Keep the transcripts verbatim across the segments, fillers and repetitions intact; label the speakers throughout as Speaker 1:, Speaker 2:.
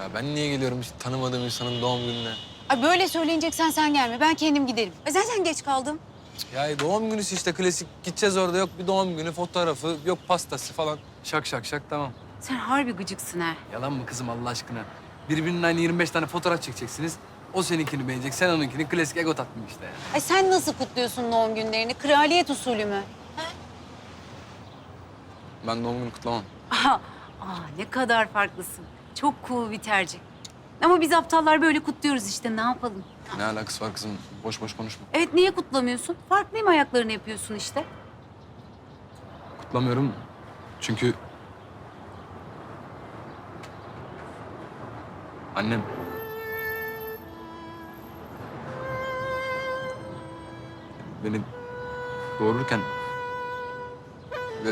Speaker 1: ben niye geliyorum hiç tanımadığım insanın doğum gününe?
Speaker 2: Ay böyle söyleyeceksen sen gelme. Ben kendim giderim. E zaten geç kaldım.
Speaker 1: Ya doğum günüsü işte klasik. Gideceğiz orada yok bir doğum günü fotoğrafı, yok pastası falan. Şak şak şak tamam.
Speaker 2: Sen harbi gıcıksın ha.
Speaker 1: Yalan mı kızım Allah aşkına? Birbirinin aynı yirmi beş tane fotoğraf çekeceksiniz. O seninkini beğenecek, sen onunkini. Klasik ego tatmin işte yani.
Speaker 2: Ay sen nasıl kutluyorsun doğum günlerini? Kraliyet usulü mü?
Speaker 1: Ben doğum günü kutlamam.
Speaker 2: Aha, aa, ne kadar farklısın. Çok cool bir tercih. Ama biz aptallar böyle kutluyoruz işte. Ne yapalım?
Speaker 1: Ne alakası var kızım? Boş boş konuşma.
Speaker 2: Evet, niye kutlamıyorsun? Farklıyım ayaklarını yapıyorsun işte.
Speaker 1: Kutlamıyorum çünkü... Annem. Beni doğururken... Ve...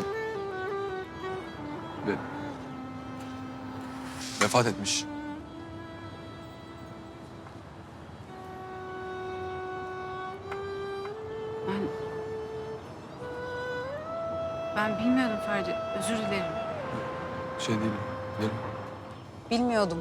Speaker 1: Ve... Vefat etmiş.
Speaker 2: Ben... Ben bilmiyordum Ferdi. Özür dilerim.
Speaker 1: Şey değil, değil.
Speaker 2: Bilmiyordum.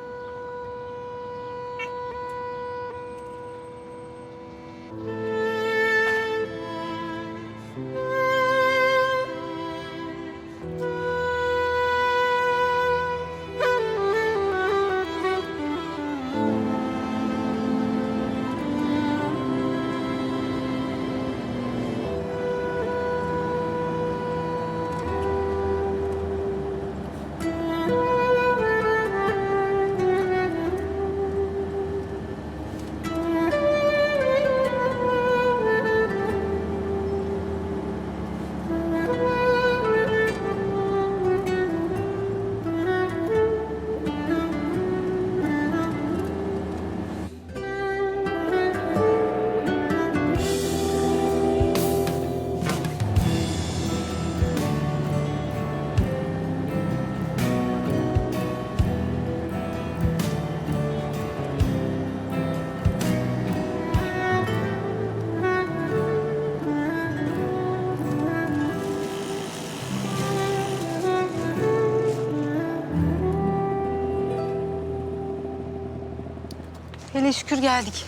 Speaker 2: Hele şükür geldik.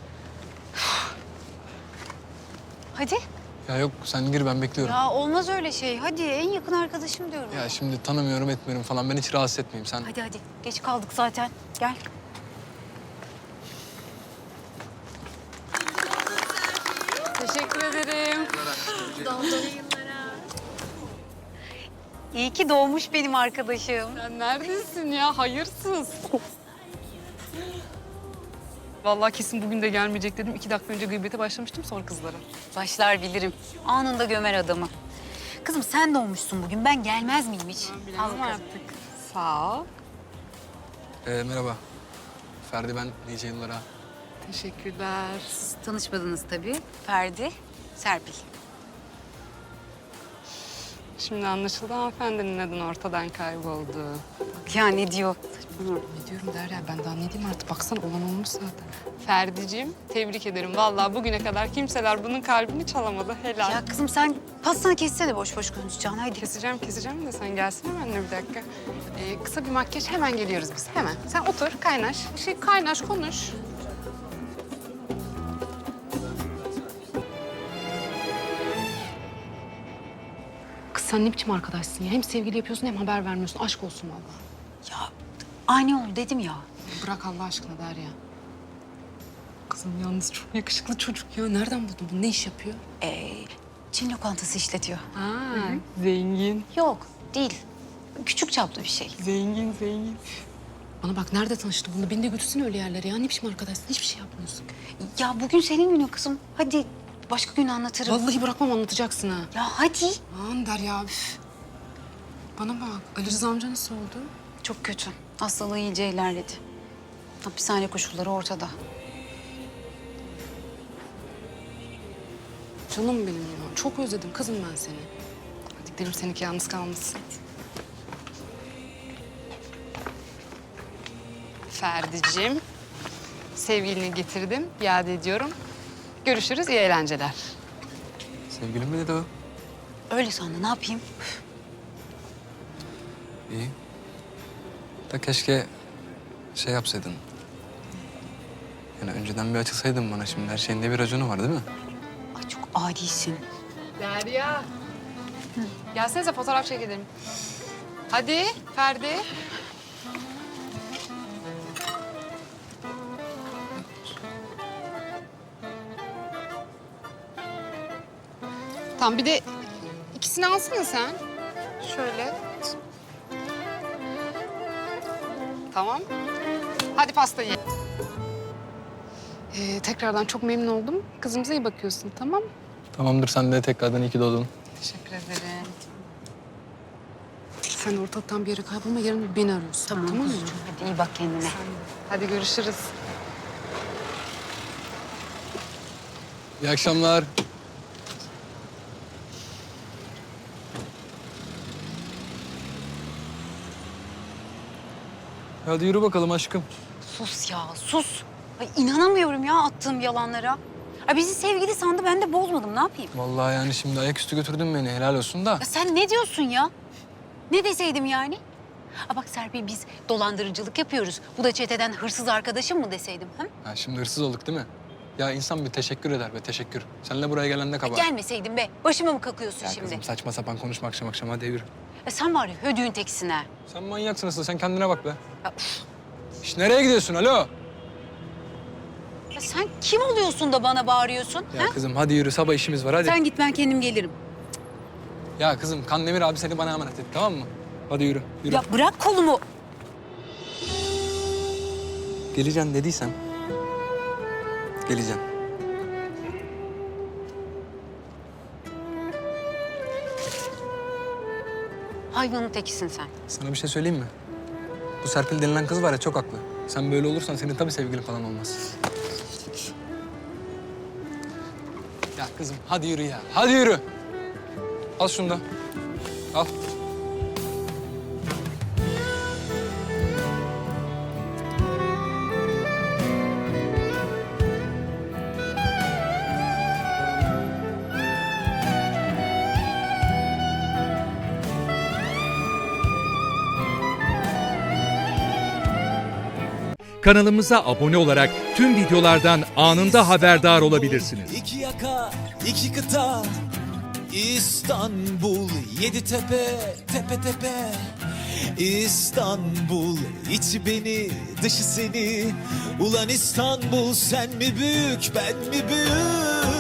Speaker 2: Hadi.
Speaker 1: Ya yok sen gir ben bekliyorum.
Speaker 2: Ya olmaz öyle şey. Hadi en yakın arkadaşım diyorum.
Speaker 1: Ya şimdi tanımıyorum etmiyorum falan ben hiç rahatsız etmeyeyim sen.
Speaker 2: Hadi hadi. Geç kaldık zaten. Gel. Teşekkür ederim. İyi ki doğmuş benim arkadaşım.
Speaker 3: Sen neredesin ya? Hayırsız. Vallahi kesin bugün de gelmeyecek dedim. İki dakika önce gıybete başlamıştım sonra kızlara.
Speaker 2: Başlar bilirim. Anında gömer adamı. Kızım sen doğmuşsun bugün. Ben gelmez miyim hiç? Al bakalım.
Speaker 3: artık. Sağ ol.
Speaker 1: Ee, merhaba. Ferdi ben nice yıllara.
Speaker 3: Teşekkürler.
Speaker 2: Siz tanışmadınız tabii. Ferdi, Serpil.
Speaker 3: Şimdi anlaşıldı hanımefendinin neden ortadan kayboldu.
Speaker 2: Ya ne diyor?
Speaker 3: Ne diyorum Derya? Ben daha ne diyeyim artık? Baksana olan olmuş zaten. Ferdi'cim tebrik ederim. Vallahi bugüne kadar kimseler bunun kalbini çalamadı. Helal.
Speaker 2: Ya kızım sen pastanı kessene boş boş konuşacaksın. Haydi.
Speaker 3: Keseceğim, keseceğim de sen gelsene benimle bir dakika. Ee, kısa bir makyaj hemen geliyoruz biz. Hemen. Sen otur, kaynaş. Şey kaynaş, konuş. Kız sen ne biçim arkadaşsın ya? Hem sevgili yapıyorsun hem haber vermiyorsun. Aşk olsun vallahi.
Speaker 2: Ya ani oldu dedim ya.
Speaker 3: Bırak Allah aşkına Derya. Kızım yalnız çok yakışıklı çocuk ya. Nereden buldun bunu? Ne iş yapıyor?
Speaker 2: Ee, Çin lokantası işletiyor.
Speaker 3: Ha, zengin.
Speaker 2: Yok değil. Küçük çaplı bir şey.
Speaker 3: Zengin, zengin. Bana bak nerede tanıştı bununla? Beni de götürsün öyle yerlere ya. Ne biçim arkadaşsın? Hiçbir şey yapmıyorsun.
Speaker 2: Ya bugün senin günün kızım. Hadi başka gün anlatırım.
Speaker 3: Vallahi bırakmam anlatacaksın ha.
Speaker 2: Ya hadi.
Speaker 3: Aman Derya üf. Bana bak Ali Rıza amca nasıl oldu?
Speaker 2: Çok kötü. Hastalığı iyice ilerledi. Hapishane koşulları ortada.
Speaker 3: Canım benim ya. Çok özledim kızım ben seni. Hadi gidelim seninki yalnız kalmasın. Ferdi'cim, sevgilini getirdim, iade ediyorum. Görüşürüz, iyi eğlenceler.
Speaker 1: Sevgilim mi dedi o?
Speaker 2: Öyle sandı. Ne yapayım?
Speaker 1: İyi. Da keşke Şey yapsaydın. Yani önceden bir açılsaydın bana şimdi. Her şeyin de bir raconu var değil mi?
Speaker 2: Ay çok adisin.
Speaker 3: Derya. Gelsenize fotoğraf çekelim. Hadi Ferdi. Tamam bir de ikisini alsana sen. Şöyle. Tamam. Hadi pastayı. Ee, tekrardan çok memnun oldum. Kızımıza iyi bakıyorsun, tamam mı?
Speaker 1: Tamamdır, sen de tekrardan iyi ki doğdun.
Speaker 3: Teşekkür ederim. Sen ortalıktan bir yere kaybolma, yarın beni arıyorsun.
Speaker 2: Tamam,
Speaker 3: tamam mı?
Speaker 2: kuzucuğum. Hadi iyi bak kendine.
Speaker 3: Hadi görüşürüz.
Speaker 1: İyi akşamlar. Hadi yürü bakalım aşkım.
Speaker 2: Sus ya sus. Ay inanamıyorum ya attığım yalanlara. Ay bizi sevgili sandı ben de bozmadım ne yapayım?
Speaker 1: Vallahi yani şimdi ayaküstü götürdün beni. Helal olsun da.
Speaker 2: Ya sen ne diyorsun ya? Ne deseydim yani? Ha bak Serpil biz dolandırıcılık yapıyoruz. Bu da çeteden hırsız arkadaşım mı deseydim? Ha?
Speaker 1: Ha, şimdi hırsız olduk değil mi? Ya insan bir teşekkür eder be, teşekkür. Seninle buraya gelen ne kabahat.
Speaker 2: Gelmeseydin be. Başıma mı kakıyorsun
Speaker 1: Ya
Speaker 2: şimdi?
Speaker 1: kızım saçma sapan konuşma akşam akşam, hadi yürü.
Speaker 2: Ya sen var ya hödüğün teksin ha.
Speaker 1: Sen manyaksın asıl, sen kendine bak be.
Speaker 2: Ya, üf.
Speaker 1: İş nereye gidiyorsun, alo?
Speaker 2: Ya sen kim oluyorsun da bana bağırıyorsun?
Speaker 1: Ya
Speaker 2: Ha?
Speaker 1: kızım hadi yürü, sabah işimiz var hadi.
Speaker 2: Sen git ben kendim gelirim.
Speaker 1: Ya kızım Kandemir abi seni bana emanet etti, tamam mı? Hadi yürü, yürü.
Speaker 2: Ya bırak kolumu.
Speaker 1: Geleceğim dediysen. Geleceğim.
Speaker 2: Hayvanın tekisin sen.
Speaker 1: Sana bir şey söyleyeyim mi? Bu Serpil denilen kız var ya, çok haklı. Sen böyle olursan senin tabii sevgilin falan olmaz. Ya kızım hadi yürü ya, hadi yürü. Al şunu da. Al.
Speaker 4: Kanalımıza abone olarak tüm videolardan anında haberdar olabilirsiniz.
Speaker 5: İki yaka, iki kıta, İstanbul, yedi tepe, tepe tepe. İstanbul, içi beni, dışı seni. Ulan İstanbul, sen mi büyük, ben mi büyük?